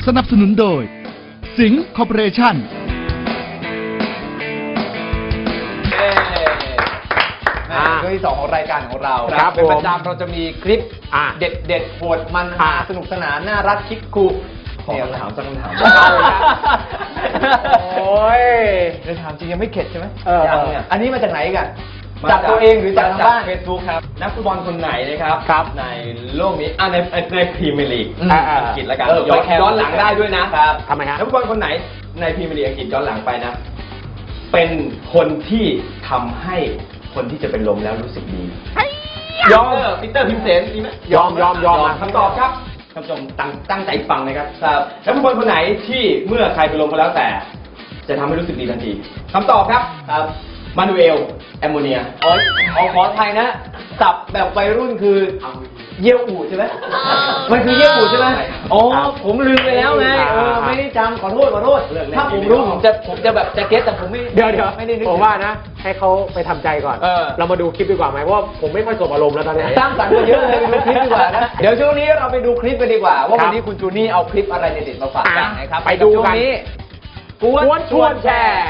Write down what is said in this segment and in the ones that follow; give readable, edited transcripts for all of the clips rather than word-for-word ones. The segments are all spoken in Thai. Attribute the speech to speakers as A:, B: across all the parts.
A: สนับสนุนโดยสิงห์คอร์ปอเรชั่น
B: ช่วงที่ 2ของรายการของเรา
C: ครับ
B: เป็นประจำเราจะมีคลิปเด็ดโหดมันสนุกสนานน่ารักคิกคูขอคำถามสักคำถามโอ้ยจะถามจริงยังไม่เข็ดใช่ไหมยังเนี่ยอันนี้มาจากไหนกันจากตัวเองหรือจากทางบ้าน
D: เฟซบุ๊กครับนักฟุตบอลคนไหนนะครับในโลกนี้ในพรีเมียร์ลีกอังกฤษละกันย้อนหลังได้ด้วยนะครับ
C: ทำไมฮะ
D: นักฟุตบอลคนไหนในพรีเมียร์ลีกอังกฤษย้อนหลังไปนะเป็นคนที่ทำให้คนที่จะเป็นลมแล้วรู้สึกดียอมปีเตอร์พิมเซนดีไหม
C: ยอม
D: คำตอบครับท่านผู้ชมตั้งใจฟังนะครับนักฟุตบอลคนไหนที่เมื่อใครเป็นลมก็แล้วแต่จะทำให้รู้สึกดีทันทีคำตอบครับมานูเอลแอมโมเนีย
B: ขอไทยนะสับแบบวัยรุ่นคือเยี่ยวอู่ใช่ไหมมันคือเยี่ยวอู่ใช่ไหมอ๋อผมลืมไปแล้วไงไม่ได้จำขอโทษถ้าผมรู้ผมจะแบบจะเก็ตแต่ผมไม่
C: เดี๋ยว
B: ไม่ได้นึก
C: ผมว่านะให้เขาไปทำใจก่อนเรามาดูคลิปดีกว่าไหมเพราะว่าผมไม่ค่อยสบอารมณ์แล้วตอนนี้
B: สร้างสรรค์เยอะเลยไปดูคลิปดีกว่านะเดี๋ยวช่วงนี้เราไปดูคลิปกันดีกว่าว่าวันนี้คุณจูนี่เอาคลิปอะไรเด็ดๆมาฝากกันนะครับ
C: ไปดูกัน
B: กวนชวนแชร์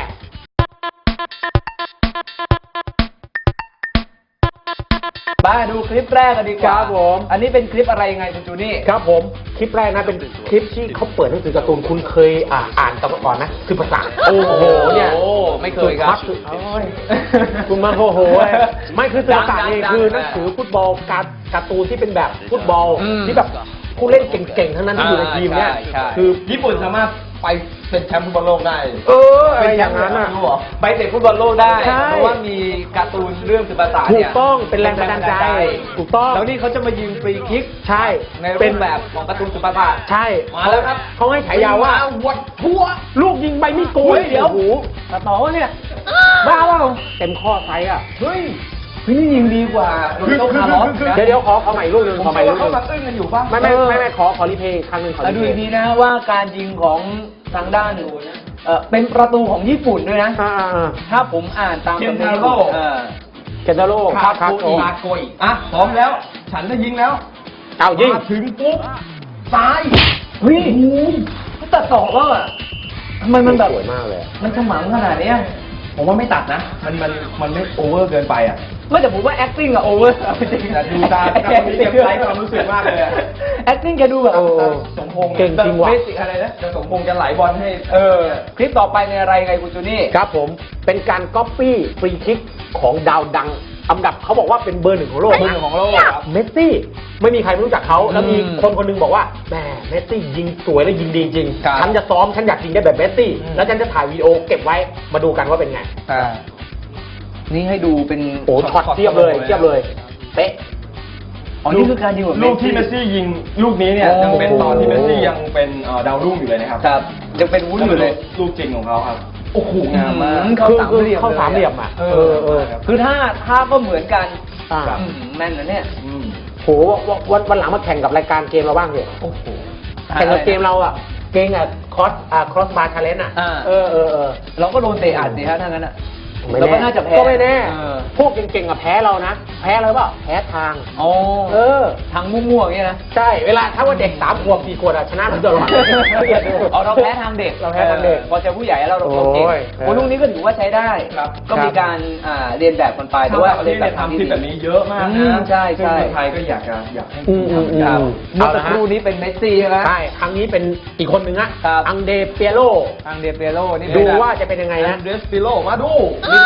B: มาดูคลิปแรกกันดีกว่า
C: ครับผม
B: อันนี้เป็นคลิปอะไรยังไงคุณจูนี่
C: ครับผมคลิปแรกนะเป็นคลิปที่เขาเปิดหนังสือการ์ตูนคุณเคยอ่านก่อนนะคือภาษาโอ้โหเนี่ย
B: ไม่เคยครับ
C: คุณมาโอ้โหไม่คือภาษานี่คือหนังสือฟุตบอลการ์ตูนที่เป็นแบบฟุตบอลที่แบบผู้เล่นเก่งๆทั้งนั้นที่อยู่ในทีมเนี่ย
D: คือญี่ปุ่นสามารถไปเป็นแชมป์ฟุตบอลโลกได้
C: อะไรอย่างนั้นอ่ะ
B: ไปเตะฟุตบอลโลกได้เพราะว่ามีการ์ตูนเรื่องสื่อภาษา
C: ถูกต้องเป็นแรงบันดาลใจถูกต้อง
B: แล้วนี่เขาจะมายิงฟรีคิก
C: ใช่
B: ในรูปแบบของการ์ตูนสื่อภาษา
C: ใช่
B: มาแล้วครับ
C: เขาให้ฉายาว่า
B: วัดทั่ว
C: ลูกยิงใบมีดโกย
B: เดี๋ยวตัดต่อเนี่ยบ้าเปล่า
C: เต็มข้อไซส์อ่ะ
B: เฮ้ยนี่ยิงดีกว่าโรเบโต้คาร์ลอส
C: เดี๋ยวขอใหม่ลูกนึงขอใหม่ลูกนึง
B: เขามาตึ้งกันอยู่ป่ะ
C: ไม่ขอรีเพย์ครั้งนึงขอ
B: ดูดีนะว่าการยิงของทางด้านเป็นประตูของญี่ปุ่นด้วยนะถ้าผมอ่านตาม
D: เคนทาโร่
C: คา
D: โกอิพร้อมแล้วฉันจะยิงแล้ว
C: เอายิง
D: ถึงปุ๊บซ้าย
B: เฮ้ยตัดต่อแล้วอ่ะมันแบบ
C: สวยมากเลย
B: มันฉมังขนาดนี้
D: ผมว่าไม่ตัดนะมันไม่โอเวอร์เกินไปอ่ะ
B: ไม่แต่ผมว่า acting อะโอเวอร์จริง
D: แต่ดูตาเก็บไลค์ความรู้สึกมากเลย
B: acting แกดูแบบ
D: สมพงษ์
C: เก่งจริงว่ะ
D: อะไรนะจะสมพงษ์จะไหลบอลให้
B: คลิปต่อไปในอะไรไงคุณจูนี่
C: ครับผมเป็นการก๊อปปี้ฟรีคิกของดาวดังอันดับเขาบอกว่าเป็นเบอร์ 1ของโลก
B: ครับ
C: เมสซี่ไม่มีใครไม่รู้จักเขาแล้วมีคนนึงบอกว่าแหมเมสซี่ยิงสวยและยิงดีจริงฉันจะซ้อมฉันอยากยิงได้แบบเมสซี่แล้วฉันจะถ่ายวีดีโอเก็บไว้มาดูกันว่าเป็นไง
B: นี่ให้ดูเป็น
C: โอ้ช็อตเทียบเลยเป๊ะ
B: นี่คือการยิงแบบ
D: ลูกที่เมสซี่ยิงลูกนี้เนี่ยยังเป็นตอนที่เมสซี่ยังเป็นดาวรุ่งอยู่เลยนะครับ
B: ยังเป็นวุ้นอยู่เลย
D: ลูกจริงของเขาครับโอ้โหงามมาก
C: เข้าสามเหลี่ยมอ่ะ
B: คือถ้าก็เหมือนกันแม่นนะเนี่ย
C: โหวันหลังมาแข่งกับรายการเกมเราบ้างเถอะแข่งกับเกมเราอ่ะเกมครอสบาร์ชาเลนจ์อ่ะ
B: เราก็โดนเตะอัดสิฮะถ้างั้นอ่ะ
C: เราก็น่าจะแพ้ก็ไม่แน่พวกเก่งๆกับแพ้เรานะแพ้อะไรเปล่าแพ้ทาง
B: ทางมั่วๆอย่างเงี้ยนะ
C: ใช่เวลาถ้าว่าเด็ก3 ขวบ 4 ขวบชนะผมตลอด
B: เราแพ้ทางเด็กพอเจอผู้ใหญ่แล้วเราเก่งคนลูกนี้ก็ถือว่าใช้ได้ก็มีการเรียนแบบกันไป
D: แต่ว่าเรียนแบบทำที่แบบนี้เยอะมากนะ
B: ใช่
D: คนไทยก็อยากให้
B: ทำเมื่อสักครู่นี้เป็นเมสซี่ใช่ไหม
C: ใช่ครั้งนี้เป็นอีกคนนึงอะอังเดเปียโรนี่ดูว่าจะเป็นยังไงนะ
D: เดสปิโรมาดู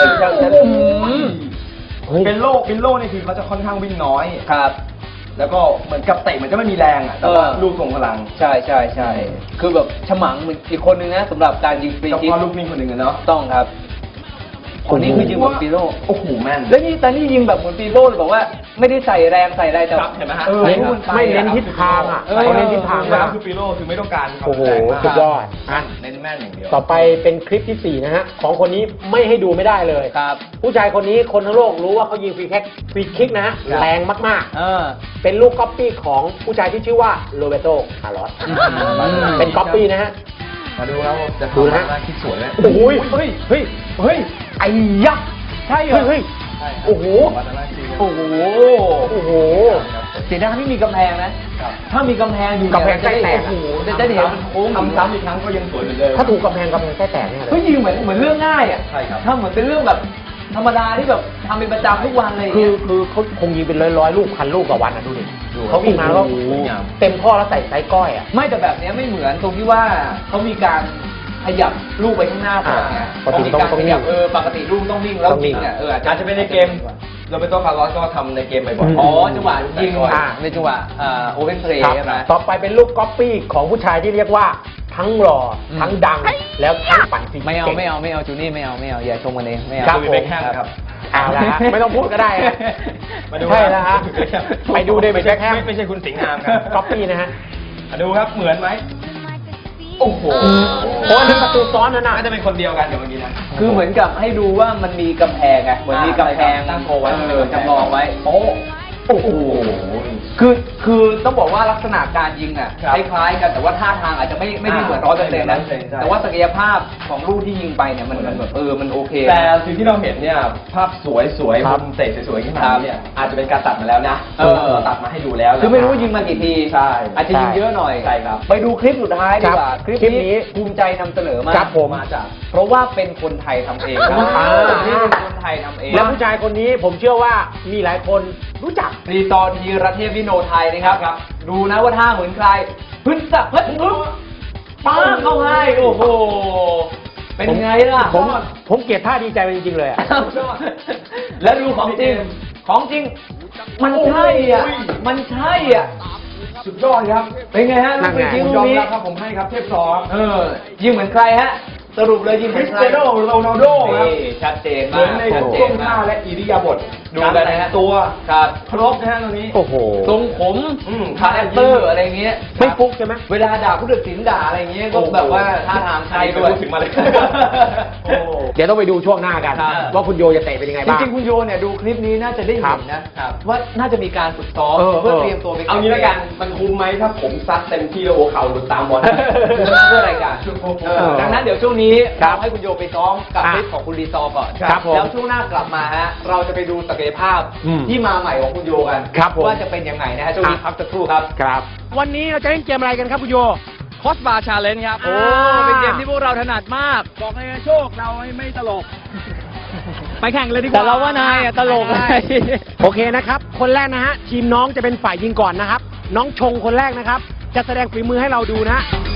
D: เป็นโลนี่คือเขาจะค่อนข้างวิ่งน้อย
B: ครับ
D: แล้วก็เหมือนกับเตะเหมือนจะไม่มีแรงอ่ะแต่ว่าลูกทรงพลัง
B: ใช่คือแบบฉมังเหมือนอีกคนนึงนะสำหรับการยิงฟรีคิก
D: ลูกนิ่งคนหนึ่งเนาะ
B: ต้องครับคนนี้คือยิงแบบปีโร่
D: โอ้โหแม่น
B: แล้วนี่ยิงแบบเหมือนปีโร่เลยบอกว่าไม่ได้ใส่แรงใส่อะไรแต่
D: เห็นไหมฮะ
C: ไม่เน้นทิศทางอ่ะ
D: เขาเน้นทิศทางนะคือปีโร่คือไม่ต้องการ
C: โอ้โหสุดยอด
D: เน้นแม่นอย่างเดียว
C: ต่อไปเป็นคลิปที่4นะฮะของคนนี้ไม่ให้ดูไม่ได้เลย
B: ครับ
C: ผู้ชายคนนี้คนทั้งโลกรู้ว่าเขายิงฟรีคิกนะฮะแรงมากๆเป็นลูกก๊อปปี้ของผู้ชายที่ชื่อว่าโรเบโตคาร์ลอสเป็นก๊อปปี้นะฮะ
D: มาดูแล้วจะ
C: ดูนะ
D: คิดสวยเลย
C: โอ้ยเฮ้ยไอ้ยักษ์
B: ใช่เหรอ
C: โอ้โห
B: เสียดายไม่มีกำแพงนะ ถ้ามีกำแพงอยู่
C: กำแพงใกล้แตก
B: โอ้โหจะได้เห็นมันโค้ง
D: ทำซ้ำอีกครั้งก็ยังสวยเหมือนเดิม
C: ถ้าถูกกำแพงใกล้แตกเนี่ยเล
B: เฮ้ย
C: ย
B: ยิงเหมือนเรื่องง่ายอ่ะ
D: ใช่ครับ
B: ถ้าเหมือนเป็นเรื่องแบบธรรมดาที่แบบทำเป็นประจำทุกวันเลย
C: คือ
B: เนี่ย
C: เขาคงยิงเป็นร้อยลูกพันลูกต่อวันอ่ะดูดิ
B: ดู
C: เขาวิ่งมาแล้วก็
B: โอ้โห
C: เต็มข้อแล้วใส่ไซส์ก้อยอ่ะ
B: ไม่แต่แบบเนี้ยไม่เหมือนตรงที่ว่าเขามีการขยับลูกไปข้างหน้าก่อนไง
C: ปกติ
B: มีการ
C: ต้อง
B: ขยับ
C: นิ่ง
B: ปกติลูกต้องนิ่งแล้ว
C: ต้องนิ่
B: ยิ
C: ง
B: งเนี่ย
D: อาจจะเป็นในเกมโรเบโตคาร์ลอสก็ทำในเกมบ่อยๆ
B: อ๋อจังหวะยิง
C: อ่า
B: ในจังหวะโอเ n นเพลย์
C: ครับ
B: ใช่ไหม
C: ต่อไปเป็นลูกก๊อปปี้ของผู้ชายที่เรียกว่าทั้งหล่อทั้งดังแล้วทั้งปั่นฟรี
B: ไม่เอา
C: ก่ง
B: ไม่เอาจูนี่ไม่เอาอย่าชมกันเองไม่เอา
C: ครับ
D: เบคแฮมครับ
C: เอาละฮะไม่ต้องพูดก็ได้ฮะ
D: มาดู
C: ใช่แล้วฮะไปดูเดวิดแบ็คแฮม
D: ไม่ใช่คุณสิงห์งามครับ
C: ก๊อปปี้นะฮะ
D: มาดูครับเหมือนไหมโอ้โห
C: โอ้ยนี่ประตูซ้อนนั่นน่ะ
D: น่าจะเป็นคนเดียวกันเดี๋ยวเมื่อกี้นะ
B: คือเหมือนกับให้ดูว่ามันมีกำแพงไงเหมือนมีกำแพง
D: ตั้งโกไว้
B: จำลองไว้โอ้โหคือต้องบอกว่าลักษณะการยิงอ่ะ
D: ครับ
B: คล้ายๆกันแต่ว่าท่าทางอาจจะไม่ได้เหมือน100%นะ
D: ใช่
B: แต่ว่าศักยภาพของลูกที่ยิงไปเนี่ยมันแบบมันโอเค
D: แต่สิ่งที่เราเห็นเนี่ยภาพสวยๆ
C: ครับ
D: มุมเตะสวยๆขึ้นมาเนี่ยอาจจะเป็นการตัดมาแล้วนะ
B: เรา
D: ตัดมาให้ดูแล้วนะ
B: คือไม่รู้ว่ายิงมากี่ที
D: ใช่
B: อาจจะยิงเยอะหน่อย
D: ใช่ครับ
B: ไปดูคลิปสุดท้ายดีกว่า
C: ครับ
B: คลิป
C: คลิปนี้
B: นี้ภูมิใจนำเสนอมาก
C: ครับผม
B: มาจากเพราะว่าเป็นคนไทยทำเองครับ
C: อ่า
B: นี่เป็นคนไทยทำเอง
C: แล้วผู้ชายคนนี้ผมเชื่อว่ามีหลายคนรู้จัก
B: รีซอร์ทีระเทพวิโนไทยนะครับ ดูนะว่าท่าเหมือนใครพึ่นสักพึ่นพึ่งป้าเข้าให้โอ้โห เป็นไงล่ะ
C: ผมเกลียดท่าดีใจมันจริงๆเลยอะ
B: แล้วดูของจริง ของจริง มันใช่อ่ะ มันใช่อ่ะ
D: สุดยอดครับ
B: เป็นไงฮะ
C: นั่นไง
B: ลูก
D: ผม
B: ยิง
D: ยอม
B: นี้
D: รับครับผมให้ครับเทพซอครับ
B: ยิงเหมือนใครฮะ สรุปเลยยิงเห
D: ค
B: มื
D: ริ
B: อน
D: ส
B: ใคร
D: เตียโนโรนัลโดครับ
B: นี่ชัดเจน
D: เห
B: มา
D: มื
B: ก
D: อนใน
B: ชัดเจ
D: ท่วน ง
B: มา
D: ท่าก และอิริยาบถดู
B: ครับ
D: กันนะฮะตัว
B: ครับ
D: ครบนะฮะตรงนี้
C: โอ้โห
B: ทรงผม คาแรคเตอร์อะไรเงี้ย
C: ไม่ฟุกใช่ไหม
B: เวลาด่าผู้ตัดสินด่าอะไรเงี้ยก็แบบว่าท่าทางไทยด้วย
D: พูดถึงมาเลย
B: โอ้
C: เดี๋ยวต้องไปดูช่วงหน้ากัน
B: ครับ
C: ว่าคุณโยจะเตะเป็นยังไง
B: จ
C: บ้าง
B: ริงๆคุณโยเนี่ยดูคลิปนี้น่าจะได้
C: ครั
B: เห็
C: บ
B: นนะครับว่าน่าจะมีการฝึกซ้อม
C: เพื่อ
B: เตรียมตัวไป
D: เอางี้แล้วกันมันคุ้มไหมถ้าผมซัดเต็มที่แล้วหัวเข่าหลุดตามบอล
B: เพื่อรายการดังนั้นเดี๋ยวช่วงนี้
C: ครับ
B: เราให้คุณโยไปซ้อมกับ
C: อ่ะ
B: คลิปของคุณรีซอร์ก่อน
C: ครับผม
B: แล้วช่วงหน้ากลับมาฮะเราจะไปดูศักยภาพ
C: อืม
B: ที่มาใหม่ของคุณโยกัน
C: ครับผม
B: ว่าจะเป็นยังไงนะฮะช่วงนี้
C: อ่ะ
B: พักสักครู่ครับ
C: ครับ วันนี้เราจะเล่นเกมอะไรกันครับคุณโย
E: คอสบาร์ชาเลนจ์ครับ
C: โอ้
E: เป็นเกมที่พวกเราถนัดมาก บอกเลยนะโชคเราไม่ตลก ไปแข่งเลยดีกว่า
B: แต่เราว่านายอ่ะตลกเลย
C: โอเคนะครับ คนแรกนะฮะ ทีมน้องจะเป็นฝ่ายยิงก่อนนะครับ น้องชงคนแรกนะครับ จะแสดงฝีมือให้เราดูนะฮะ